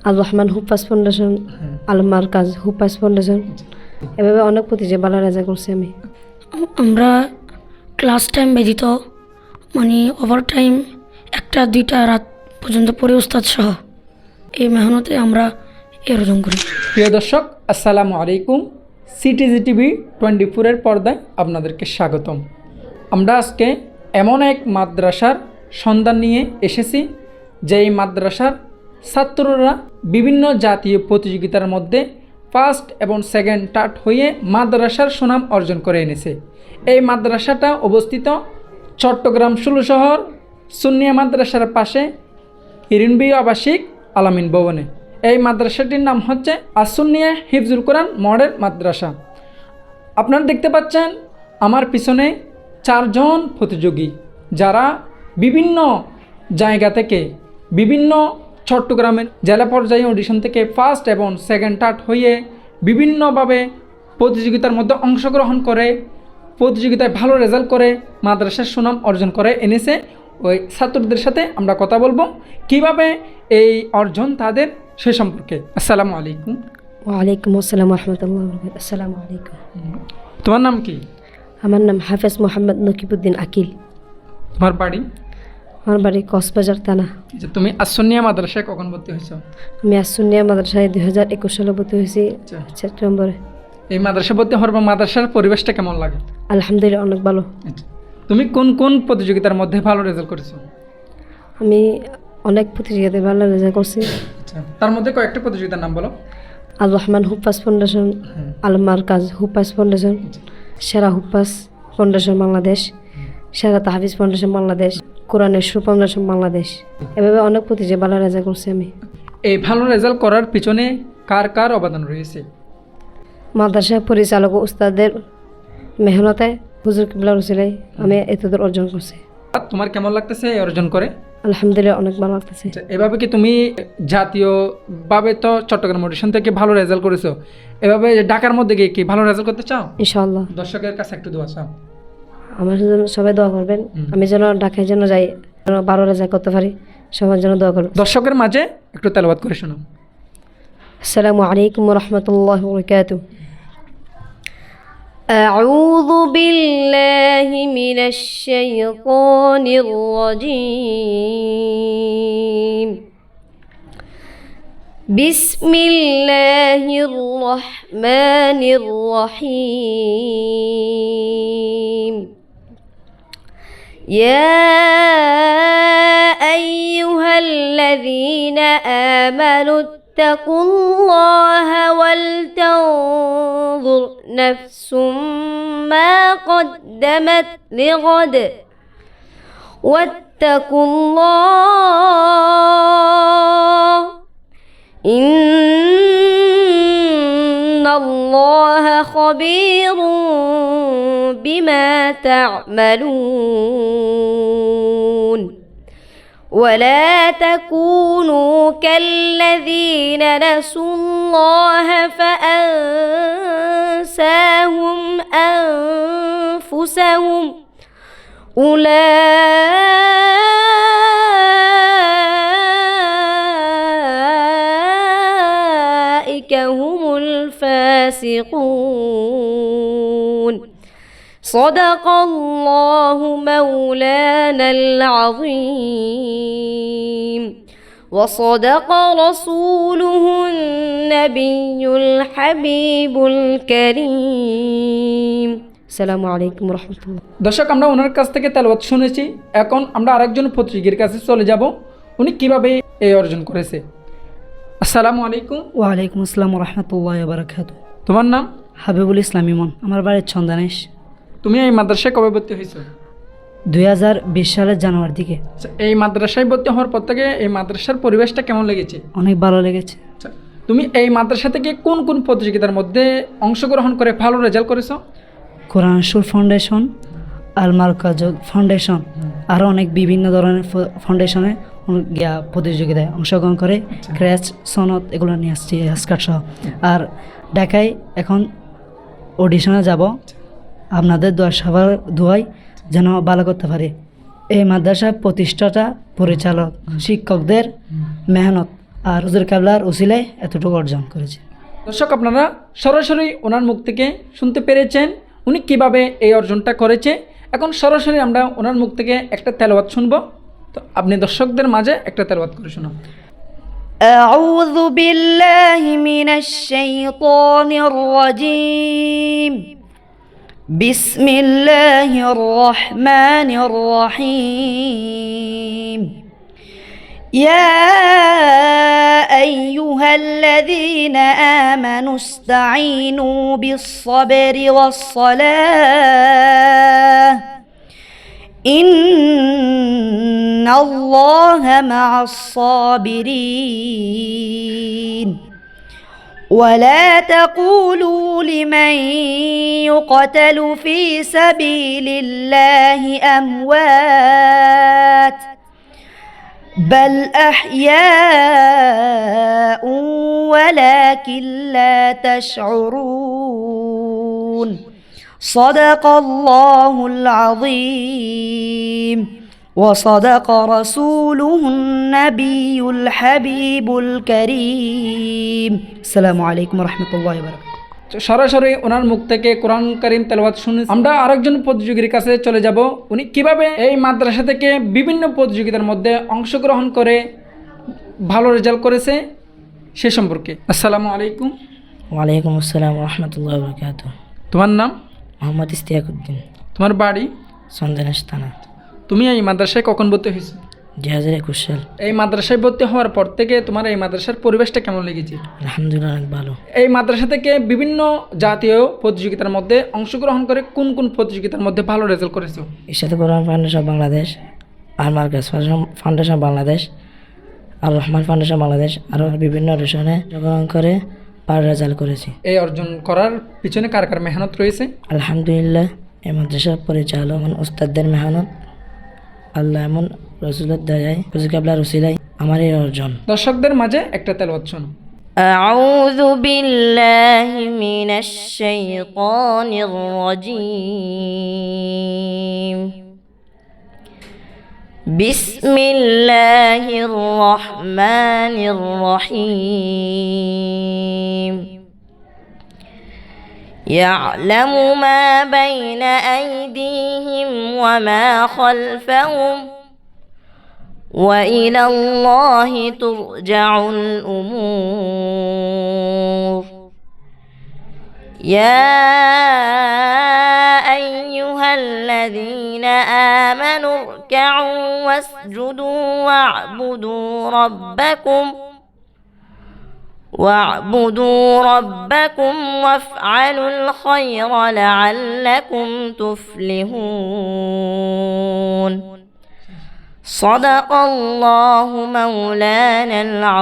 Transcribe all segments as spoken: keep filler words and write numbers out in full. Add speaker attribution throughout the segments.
Speaker 1: আল Rahman হুপাস foundation, আল মার্কাজ হুপাস foundation, এভাবে অনেক প্রতিযোগিতা ভালো রেজাল্ট করছি আমি।
Speaker 2: আমরা ক্লাস টাইম ব্যতীত মানে ওভার টাইম একটা দুইটা রাত পর্যন্ত পড়ে উস্তাদ সহ এই মেহনতে আমরা এই অর্জন করি।
Speaker 3: প্রিয় দর্শক, আসসালামু আলাইকুম। সিটিজি টিভি টোয়েন্টি ফোরের পর্দায় আপনাদেরকে স্বাগতম। আমরা আজকে এমন এক মাদ্রাসার সন্ধান নিয়ে এসেছি, যেই মাদ্রাসার ছাত্ররা বিভিন্ন জাতীয় প্রতিযোগিতার মধ্যে ফার্স্ট এবং সেকেন্ড থার্ড হয়ে মাদ্রাসার সুনাম অর্জন করে এনেছে। এই মাদ্রাসাটা অবস্থিত চট্টগ্রাম ষোলো শহর সুন্নিয়া মাদ্রাসার পাশে হিরিনবি আবাসিক আলামিন ভবনে। এই মাদ্রাসাটির নাম হচ্ছে আসুন্নিয়া হিফজুল কোরআন মডেল মাদ্রাসা। আপনারা দেখতে পাচ্ছেন আমার পিছনে চারজন প্রতিযোগী, যারা বিভিন্ন জায়গা থেকে বিভিন্ন চট্টগ্রামের জেলা পর্যায়ে অডিশন থেকে ফার্স্ট এবং সেকেন্ড থার্ড হয়ে বিভিন্নভাবে প্রতিযোগিতার মধ্যে অংশগ্রহণ করে প্রতিযোগিতায় ভালো রেজাল্ট করে মাদ্রাসার সুনাম অর্জন করে এনেছে। ওই ছাত্রদের সাথে আমরা কথা বলবো কিভাবে এই অর্জন তাদের, সে সম্পর্কে। আসসালামু আলাইকুম।
Speaker 1: ওয়ালাইকুম আসসালাম রহমতুল্লাহ। আসসালামু আলাইকুম।
Speaker 3: তোমার নাম কি?
Speaker 1: আমার নাম হাফেজ মোহাম্মদ নকিবুদ্দিন আকিল।
Speaker 3: তোমার বাড়ি?
Speaker 1: আমার বাড়ি কক্সবাজার থানা।
Speaker 3: যে তুমি আসুন্নিয়া মাদ্রাসায় কখন ভর্তি হয়েছ?
Speaker 1: আমি আসুন্নিয়া মাদ্রাসায় দুই হাজার একুশ সালে ভর্তি হয়েছি
Speaker 3: আচ্ছা।
Speaker 1: সেপ্টেম্বরে।
Speaker 3: এই মাদ্রাসা ভর্তি হওয়ার পর মাদ্রাসার পরিবেশটা কেমন লাগে?
Speaker 1: আলহামদুলিল্লাহ অনেক ভালো।
Speaker 3: আচ্ছা। তুমি কোন কোন প্রতিযোগিতার মধ্যে ভালো রেজাল্ট করেছো?
Speaker 1: আমি অনেক প্রতিযোগিতায় ভালো রেজাল্ট করছি।
Speaker 3: আচ্ছা, তার মধ্যে কয়েকটা প্রতিযোগিতার নাম বলো।
Speaker 1: আল রহমান হুপাস ফাউন্ডেশন, আল মার্কাজ হুপাস ফাউন্ডেশন, সেরা হুপাস ফাউন্ডেশন বাংলাদেশ, সেরা তাহফিজ ফাউন্ডেশন বাংলাদেশ, কোরআনের সু ফাউন্ডেশন বাংলাদেশ, এভাবে অনেক প্রতিযোগিতা ভালো রেজাল্ট করছি আমি।
Speaker 3: এই ভালো রেজাল্ট করার পিছনে কার কার অবদান রয়েছে?
Speaker 1: মাদ্রাসা পরিচালক ও উস্তাদের মেহনতে, হুজুর কিবলা রসিলাই আমি এতদূর অর্জন করছি।
Speaker 3: তোমার কেমন লাগতেছে এই অর্জন করে?
Speaker 1: আলহামদুলিল্লাহ অনেক ভালো লাগতেছে।
Speaker 3: আচ্ছা, এভাবে কি তুমি জাতীয়ভাবে তো চট্টগ্রাম অডিশন থেকে ভালো রেজাল্ট করেছো, এভাবে ঢাকার মধ্যে গিয়ে কি ভালো রেজাল্ট করতে চাও?
Speaker 1: ইনশাআল্লাহ।
Speaker 3: দর্শকের কাছে একটু দোয়া চাও।
Speaker 1: আমার জন্য সবাই দোয়া করবেন, আমি যেন ঢাকায় যেন যাই, যেন ভালো রেজাল্ট করতে পারি, সবার জন্য দোয়া করবেন।
Speaker 3: দর্শকের মাঝে একটু তেলাওয়াত করে শোনাও।
Speaker 1: আসসালামু আলাইকুম ওয়া রাহমাতুল্লাহি ওয়া বারাকাতুহু। أعوذ بالله من الشيطان الرجيم. بسم الله الرحمن الرحيم. يا أيها الذين آمنوا اتقوا الله ولتنظر نفس ما قدمت لغد واتقوا الله إن الله خبير بما تعملون. ولا تكونوا كالذين نسوا الله فأنساهم أنفسهم أولئك هم الفاسقون. صدق الله مولانا العظيم وصدق رسوله النبي الحبيب الكريم. السلام عليكم ورحمة الله.
Speaker 3: দর্শক, আমরা ওনার কাছ থেকে তেলাওয়াত শুনেছি, এখন আমরা আরেকজন প্রতিযোগীর কাছে চলে যাব, উনি কিভাবে এই অর্জন করেছে। আসসালামু আলাইকুম।
Speaker 2: ওয়ালাইকুম আসসালাম রহমতুল্লাহ বারাকাতু।
Speaker 3: তোমার নাম?
Speaker 2: হাবিবুল ইসলাম ইমন। আমার বাড়ির ছন্দানেশ।
Speaker 3: তুমি এই মাদ্রাসায় কবে ভর্তি হয়েছো?
Speaker 2: দুই হাজার বিশ সালের জানুয়ারি দিকে।
Speaker 3: আচ্ছা, এই মাদ্রাসায় ভর্তি হওয়ার পর থেকে এই মাদ্রাসার পরিবেশটা কেমন লেগেছে?
Speaker 2: অনেক ভালো লেগেছে।
Speaker 3: আচ্ছা, তুমি এই মাদ্রাসা থেকে কোন কোন প্রতিযোগিতার মধ্যে অংশগ্রহণ করে ভালো রেজাল্ট করেছো?
Speaker 2: কোরআন সুর ফাউন্ডেশন, আল মার্কাজ ফাউন্ডেশন, আরও অনেক বিভিন্ন ধরনের ফাউন্ডেশনে গিয়া প্রতিযোগিতায় অংশগ্রহণ করে ক্র্যাচ সনদ এগুলো নিয়ে আসছি, স্কার্ট সহ। আর ঢাকায় এখন অডিশনে যাব, আপনাদের দোয়া সবার দোয়াই যেন ভালো করতে পারি। এই মাদ্রাসা প্রতিষ্ঠাতা, পরিচালক, শিক্ষকদের মেহনত আর হুজুর কেবলার উসিলায় এতটুকু অর্জন করেছি।
Speaker 3: দর্শক, আপনারা সরাসরি ওনার মুখ থেকে শুনতে পেরেছেন উনি কিভাবে এই অর্জনটা করেছে। এখন সরাসরি আমরা ওনার মুখ থেকে একটা তেলাওয়াত শুনবো। তো আপনি দর্শকদের মাঝে একটা তেলাওয়াত করে শোনান।
Speaker 4: أعوذ بالله من الشيطان الرجيم. بسم الله الرحمن الرحيم. يا أيها الذين آمنوا استعينوا بالصبر والصلاة إن الله مع الصابرين. ولا تقولوا لمن يقتل في سبيل الله أموات بل أحياء ولكن لا تشعرون. صدق الله العظيم وصدق رسوله النبي الحبيب الكريم. السلام عليكم ورحمة الله وبركاته.
Speaker 3: সরাসরি ওনার মুখ থেকে কোরআন কারীম তেলাওয়াত শুনে আমরা আরেকজন প্রতিযোগীর কাছে চলে যাব। উনি কিভাবে এই মাদ্রাসা থেকে বিভিন্ন প্রতিযোগিতার মধ্যে অংশগ্রহণ করে ভালো রেজাল্ট করেছে সে সম্পর্কে। আসসালামু আলাইকুম।
Speaker 5: ওয়ালাইকুম আসসালাম রহমতুল্লাহ বরকাত।
Speaker 3: তোমার নাম?
Speaker 5: মোহাম্মদ ইস্তিয়াকুদ্দিন।
Speaker 3: তোমার বাড়ি?
Speaker 5: সন্দেনাস থানা।
Speaker 3: তুমি এই মাদ্রাসায় কখন ভর্তি হয়েছো?
Speaker 5: দুই হাজার একুশ সাল।
Speaker 3: এই মাদ্রাসায় ভর্তি হওয়ার পর থেকে তোমার এই মাদ্রাসার পরিবেশটা কেমন লেগেছে?
Speaker 5: আলহামদুলিল্লাহ অনেক ভালো।
Speaker 3: এই মাদ্রাসা থেকে বিভিন্ন জাতীয় প্রতিযোগিতার মধ্যে অংশগ্রহণ করে কোন কোন প্রতিযোগিতার মধ্যে ভালো রেজাল্ট করেছো?
Speaker 5: ইরশাদ কোরআন ফাউন্ডেশন বাংলাদেশ, আর মার্কাজ ফাউন্ডেশন বাংলাদেশ, আর রহমান ফাউন্ডেশন বাংলাদেশ, আরও বিভিন্ন অনুষ্ঠানে অংশগ্রহণ করে ভালো রেজাল্ট করেছি।
Speaker 3: এই অর্জন করার পিছনে কার কার মেহনত রয়েছে?
Speaker 5: আলহামদুলিল্লাহ এই মাদ্রাসার পরিচালক এবং উস্তাদদের মেহনত, আল্লাহ এমন রসুলের দয়ায় হুজুর কেবলার উসিলায় আমার এই অর্জন।
Speaker 3: দর্শকদের মাঝে একটা তেলাওয়াত শোনো।
Speaker 4: أعوذ بالله من الشيطان الرجيم. بسم الله الرحمن الرحيم. يعلم ما بين أيديهم وما خلفهم وإلى الله ترجع الأمور. يا أيها الذين آمنوا اركعوا واسجدوا واعبدوا ربكم واعبدوا ربكم وافعلوا الخير لعلكم تفلحون. صدق الله مولانا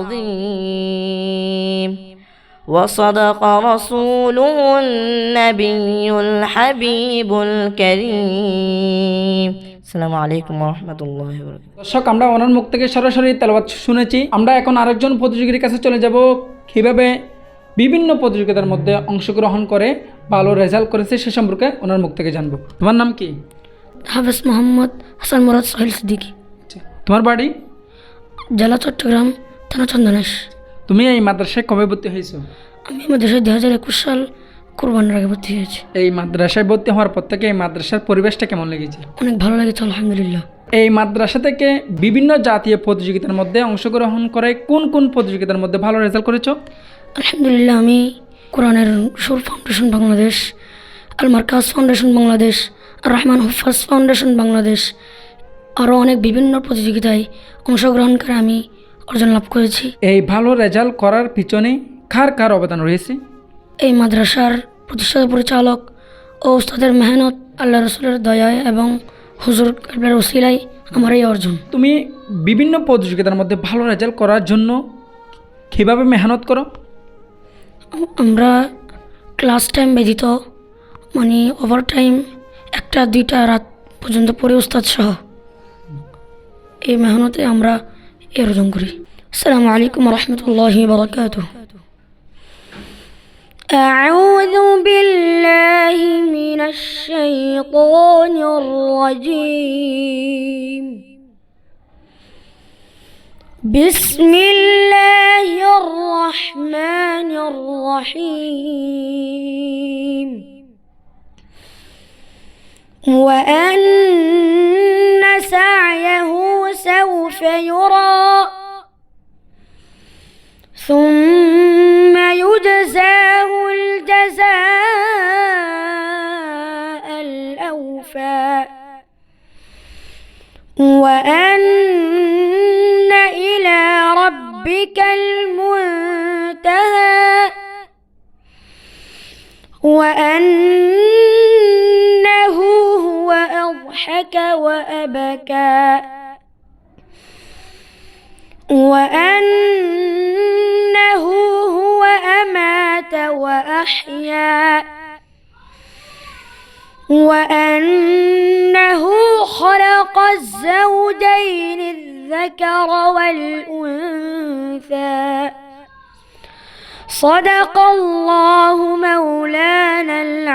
Speaker 4: العظيم وصدق رسوله النبي الحبيب الكريم. السلام عليكم ورحمة الله وبركاته.
Speaker 3: দর্শক, আমরা ওনার মুখ থেকে সরাসরি তেলাওয়াত শুনেছি। আমরা এখন আরেকজন প্রতিযোগীর কাছে চলে যাব, কীভাবে বিভিন্ন প্রতিযোগিতার মধ্যে অংশগ্রহণ করে ভালো রেজাল্ট করেছে সে সম্পর্কে ওনার মুখ থেকে জানবো। তোমার নাম কি?
Speaker 1: হাফেজ মোহাম্মদ হাসান মুরাদ সোহেল সিদ্দিকী।
Speaker 3: তোমার বাড়ি?
Speaker 1: জেলা চট্টগ্রাম, থানা চন্দনেশ।
Speaker 3: তুমি এই মাদ্রাসায় কবে ভর্তি হয়েছো?
Speaker 1: আমি মাদ্রাসায় দুই হাজার একুশ সাল কোরবানির আগে ভর্তি হয়েছি।
Speaker 3: এই মাদ্রাসায় ভর্তি হওয়ার পর থেকে এই মাদ্রাসার পরিবেশটা কেমন লেগেছে?
Speaker 1: অনেক ভালো লেগেছে আলহামদুলিল্লাহ।
Speaker 3: এই মাদ্রাসা থেকে বিভিন্ন জাতীয় প্রতিযোগিতার মধ্যে অংশগ্রহণ করে কোন কোন প্রতিযোগিতার মধ্যে ভালো রেজাল্ট করেছো?
Speaker 1: আলহামদুলিল্লাহ আমি কোরআনের সুর ফাউন্ডেশন বাংলাদেশ, আল মার্কাজ ফাউন্ডেশন বাংলাদেশ, আর রহমান হুফাজ ফাউন্ডেশন বাংলাদেশ, আরও অনেক বিভিন্ন প্রতিযোগিতায় অংশগ্রহণ করে আমি অর্জন লাভ করেছি।
Speaker 3: এই ভালো রেজাল্ট করার পিছনে কার কার অবদান রয়েছে?
Speaker 1: এই মাদ্রাসার প্রতিষ্ঠাতা পরিচালক ও উস্তাদের মেহনত, আল্লাহ রসুলের দয়ায় এবং হুজুর কেবলার ওসিলায় আমার এই অর্জন।
Speaker 3: তুমি বিভিন্ন প্রতিযোগিতার মধ্যে ভালো রেজাল্ট করার জন্য কীভাবে মেহনত করো?
Speaker 1: আমরা ক্লাস টাইম ব্যতীত মানে ওভার টাইম একটা দুইটা রাত পর্যন্ত পড়ে উস্তাদ সহ এই মেহনতে আমরা এই অর্জন করি। আসসালামু আলাইকুম রহমতুল্লাহি বারাকাতুহু।
Speaker 4: أعوذ بالله من الشيطان الرجيم. بسم الله الرحمن الرحيم وأن سعيه سوف يرى ثم يجزاه الجزاء الأوفى وأن إلى ربك المنتهى وأنه هو أضحك وأبكى وأنه هو أمات وأحيا وأنه خلق الزوجين الذكر والأنثى صدق الله مولانا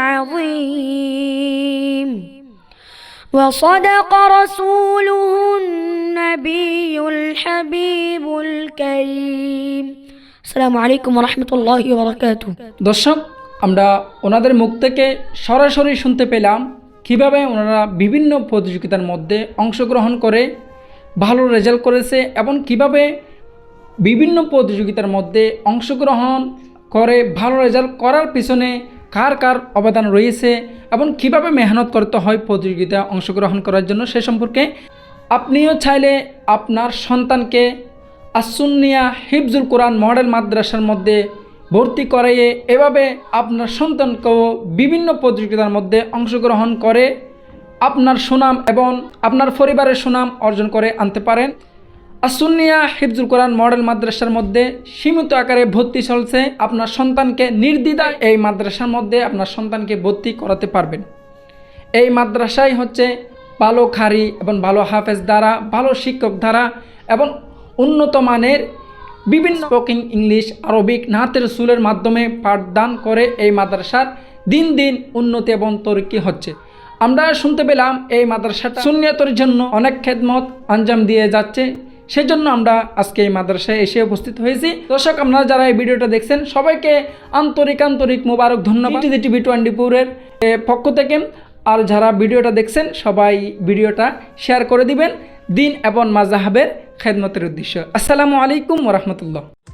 Speaker 4: العظيم وصدق رسوله النبي الحبيب الكريم السلام عليكم ورحمة الله وبركاته
Speaker 3: দর্শক, আমরা ওনাদের মুখ থেকে সরাসরি শুনতে পেলাম কিভাবে ওনারা বিভিন্ন প্রতিযোগিতার মধ্যে অংশগ্রহণ করে ভালো রেজাল্ট করেছে এবং কিভাবে বিভিন্ন প্রতিযোগিতার মধ্যে অংশগ্রহণ করে ভালো রেজাল্ট করার পিছনে কার কার অবদান রয়েছে এবং কিভাবে মেহনত করতে হয় প্রতিযোগিতায় অংশগ্রহণ করার জন্য সে সম্পর্কে আপনিও চাইলে আপনার সন্তানকে আসুন্নিয়া হিফজুল কোরআন মডেল মাদ্রাসার মধ্যে ভর্তি করাইয়ে এভাবে আপনার সন্তানকেও বিভিন্ন প্রতিযোগিতার মধ্যে অংশগ্রহণ করে আপনার সুনাম এবং আপনার পরিবারের সুনাম অর্জন করে আনতে পারেন। আসুন্নিয়া হিফজুল কোরআন মডেল মাদ্রাসার মধ্যে সীমিত আকারে ভর্তি চলছে। আপনার সন্তানকে নির্দ্বিধায় এই মাদ্রাসার মধ্যে আপনার সন্তানকে ভর্তি করাতে পারবেন। এই মাদ্রাসায় হচ্ছে ভালো খারি এবং ভালো হাফেজ দ্বারা, ভালো শিক্ষক দ্বারা এবং উন্নত মানের বিভিন্ন স্পোকিং ইংলিশ, আরবিক, নাতে রসুলের মাধ্যমে পাঠদান করে এই মাদ্রাসার দিন দিন উন্নতি এবং তরক্কি হচ্ছে। আমরা শুনতে পেলাম এই মাদ্রাসাটা সুন্নিয়তের জন্য অনেক খেদমত আঞ্জাম দিয়ে যাচ্ছে, সেজন্য আমরা আজকে এই মাদ্রাসায় এসে উপস্থিত হয়েছি। দর্শক, আপনারা যারা এই ভিডিওটা দেখছেন সবাইকে আন্তরিক আন্তরিক মোবারক ধন্যবাদ টিভি টোয়েন্টি ফোরের পক্ষ থেকে। আর যারা ভিডিওটা দেখছেন সবাই ভিডিওটা শেয়ার করে দিবেন দিন এবং মাযহাবের খেদমতের উদ্দেশ্য। আসসালামু আলাইকুম ওয়া রাহমাতুল্লাহ।